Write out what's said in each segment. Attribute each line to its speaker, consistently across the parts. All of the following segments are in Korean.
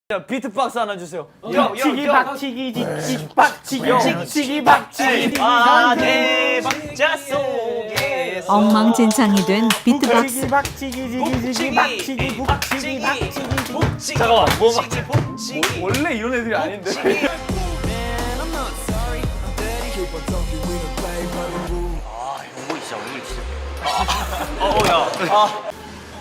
Speaker 1: 자, 비트박스 하나 주세요.
Speaker 2: 박치기 박치기 지치 박치기 찍치기 박치기
Speaker 3: 대박자 속에
Speaker 4: 엉망진창이 된 비트박스.
Speaker 2: 박치기 지기지기 박치기 북치기 박치기
Speaker 1: 잠깐만, 뭐
Speaker 3: 북치기
Speaker 1: 원래 이런 애들이 아닌데.
Speaker 3: 용복이 진짜 얼굴 진짜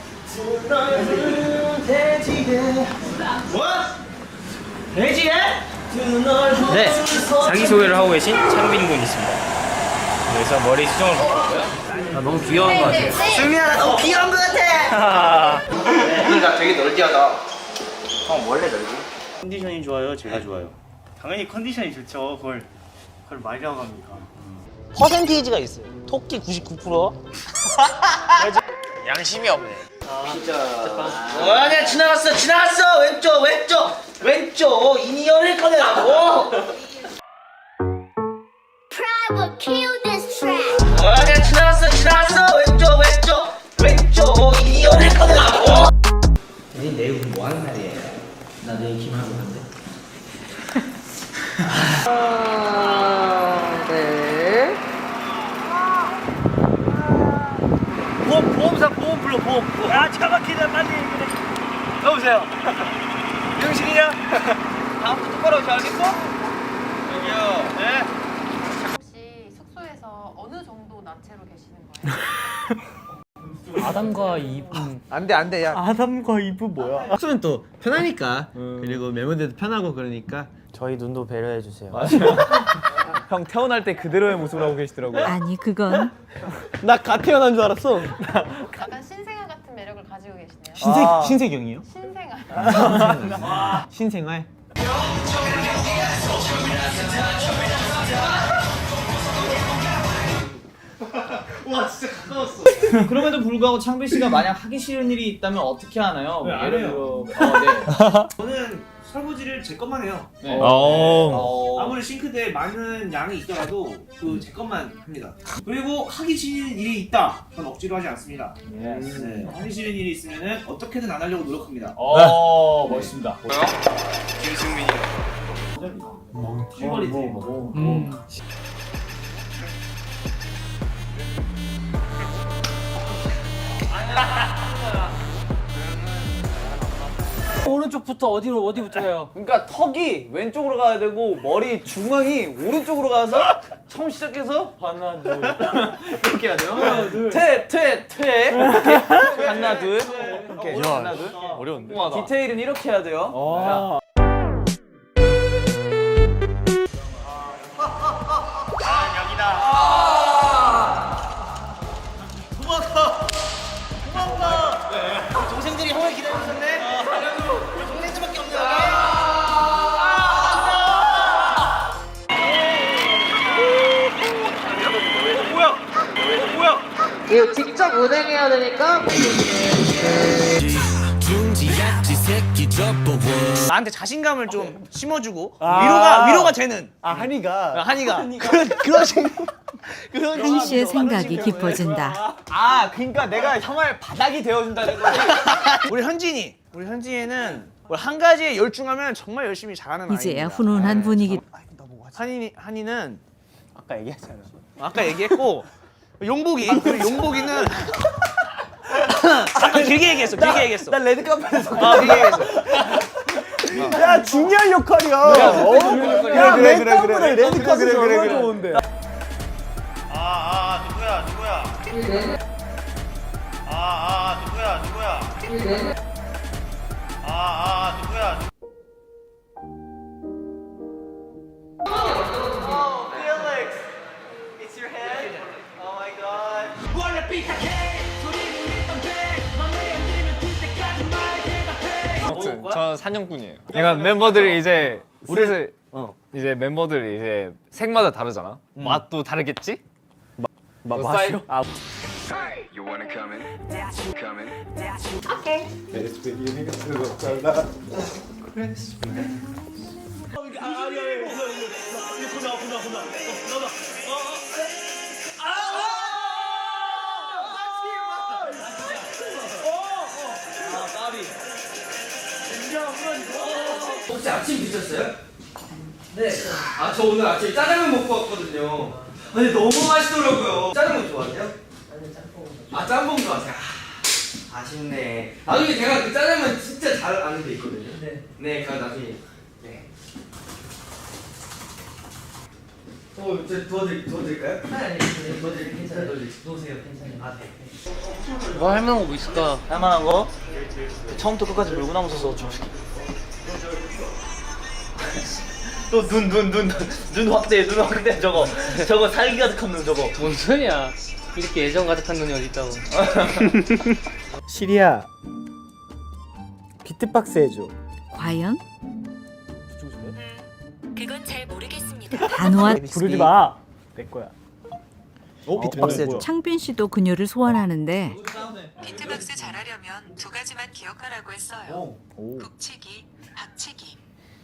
Speaker 3: 네, 자기소개를 하고 계신 창빈 군 있습니다. 그래서 머리 수정을 바꿨고요. 아, 너무 귀여운 것 같아요.
Speaker 5: 승민아 나 너무 귀여운 것 같아.
Speaker 3: 나 되게 널뛰하다. 형 원래 널뛰?
Speaker 2: 컨디션이 좋아요 제가 좋아요 당연히 컨디션이 좋죠 그걸 말이라고 합니까
Speaker 5: 퍼센테이지가 있어요. 토끼 99%.
Speaker 3: 양심이 없네.
Speaker 5: 아니야 지나갔어 왼쪽 이니어를 꺼내라고.
Speaker 6: Private kill this track.
Speaker 5: 아니야 지나갔어 왼쪽 이니어를 꺼내라고. 내일 뭐 하는 날이에요? 나 내일 기말하고 간대.
Speaker 1: 보험사 보험 불러 보험.
Speaker 2: 야 차 막히다 빨리 얘기해
Speaker 1: 여보세요. 명식이냐? 다음부터 똑바로 하지 알겠어? 여기요. 네.
Speaker 7: 혹시 숙소에서 어느 정도 나체로 계시는 거예요?
Speaker 2: 아담과 이브
Speaker 8: 안돼 야
Speaker 2: 아담과 이브 뭐야
Speaker 8: 숙소는 또 편하니까 그리고 멤버들도 편하고 그러니까
Speaker 2: 저희 눈도 배려해 주세요
Speaker 1: 형 태어날 때 그대로의 모습을 하고 계시더라고요.
Speaker 4: 아니 그건
Speaker 8: 나 갓 태어난 줄 알았어.
Speaker 7: 약간 신생아 같은 매력을 가지고 계시네요.
Speaker 8: 신세경이요?
Speaker 7: 신생아.
Speaker 8: 신생활.
Speaker 9: 그럼에도 불구하고 창빈 씨가 만약 하기 싫은 일이 있다면 어떻게 하나요?
Speaker 2: 네, 안 해요. 저는 설거지를 제 것만 해요.
Speaker 9: 네.
Speaker 2: 아무리 싱크대에 많은 양이 있더라도 그 제 것만 합니다. 그리고 하기 싫은 일이 있다. 그건 억지로 하지 않습니다. 네, 하기 싫은 일이 있으면은 어떻게든 안 하려고 노력합니다.
Speaker 9: 멋있습니다.
Speaker 3: 김승민이.
Speaker 2: 실버리 드림.
Speaker 1: 오른쪽부터 어디부터 해요? 그러니까 턱이 왼쪽으로 가야 되고 머리 중앙이 오른쪽으로 가서 처음 시작해서 하나 둘 이렇게 해야 돼요. 하나 둘 퇴 하나 둘 이렇게 하나 둘 어려운데 디테일은 이렇게 해야 돼요. 자.
Speaker 5: 동생들이 형을 기다리고 있었네. 동생들밖에 없네.
Speaker 10: 이거 직접 운행해야 되니까
Speaker 5: 나한테 자신감을 좀 심어주고 위로가 되는.
Speaker 8: 한이가
Speaker 5: 그런
Speaker 4: 한 씨의 생각이 깊어진다.
Speaker 1: 그러니까 내가 형을 바닥이 되어준다는 거지.
Speaker 5: 우리 현진이는 한 가지에 열중하면 정말 열심히 잘하는 아이입니다.
Speaker 4: 이제야 훈훈한 분위기.
Speaker 5: 한이는
Speaker 1: 아까 얘기했잖아.
Speaker 5: 아까 얘기했고 용복이는 잠깐 길게 얘기했어.
Speaker 1: 나 레드카펫에서
Speaker 5: 길게 얘기했어.
Speaker 8: 야 중요한 역할이야. 야 그래. 레드카펫 얼마나 좋은데.
Speaker 2: 누구야? 누구야?
Speaker 1: 저 사냥꾼이에요. 그러니까 멤버들이 이제 이제 멤버들이 이제 색마다 다르잖아. 맛도 다르겠지? 맛이요?
Speaker 3: You wanna come in? Come in.
Speaker 2: 진짜 한번
Speaker 1: 혹시 아침 드셨어요? 네. 아, 저 오늘 아침에 짜장면 먹고 왔거든요. 근데 너무 맛있더라고요. 짜장면 좋아하세요? 아니, 짬뽕. 아, 짬뽕 좋아하세요? 아, 아쉽네. 나중에 제가 그 짜장면 진짜 잘 아는 데 있거든요. 네. 네, 그럼 나중에. 네. 저 도와드릴까요? 아니, 도와드릴게요. 괜찮아요. 놓으세요. 괜찮아요. 아, 네.
Speaker 3: 뭐 할만한 거 뭐 있을까?
Speaker 5: 할만한 거? 처음부터 끝까지 물구나무 서서 좀.
Speaker 1: 눈 확대 저거 살기 가득한 눈 저거.
Speaker 3: 뭔 소리야? 이렇게 애정 가득한 눈이 어디 있다고?
Speaker 11: 시리야 비트박스 해줘.
Speaker 4: 과연?
Speaker 6: 그건 잘 모르겠습니다.
Speaker 4: 단호한
Speaker 11: 부르지 마. 내 거야.
Speaker 5: 비트박스 해줘.
Speaker 4: 창빈 씨도 그녀를 소환하는데
Speaker 7: 비트박스 잘하려면 두 가지만 기억하라고 했어요. 북치기, 박치기.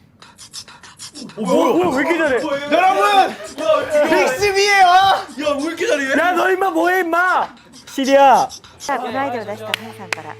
Speaker 11: 왜 이렇게 잘해? 여러분! 빅스비에요! 야, 왜 이렇게 잘해? 야, 너 임마 뭐해, 임마! 시리야!
Speaker 6: さあ、このアイデアを出したハンさんから。はい。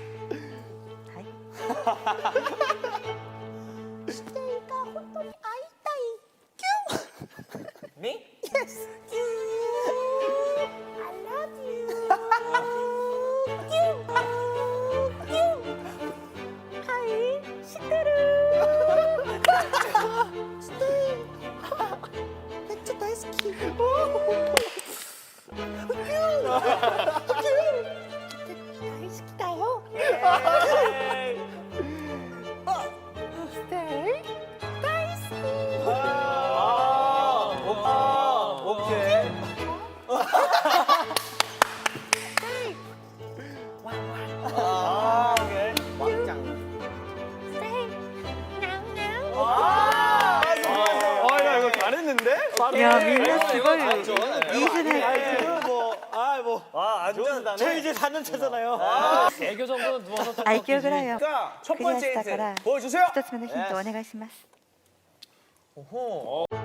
Speaker 10: 야, 민나 그걸
Speaker 11: 저 이제 4년 차잖아요.
Speaker 3: 애교 정도는 누워서
Speaker 6: 愛嬌ぐらいを
Speaker 5: 첫
Speaker 6: クリア
Speaker 5: 번째
Speaker 6: したから
Speaker 5: 힌트 보여주세요.
Speaker 6: 一つ目のヒントお願いします。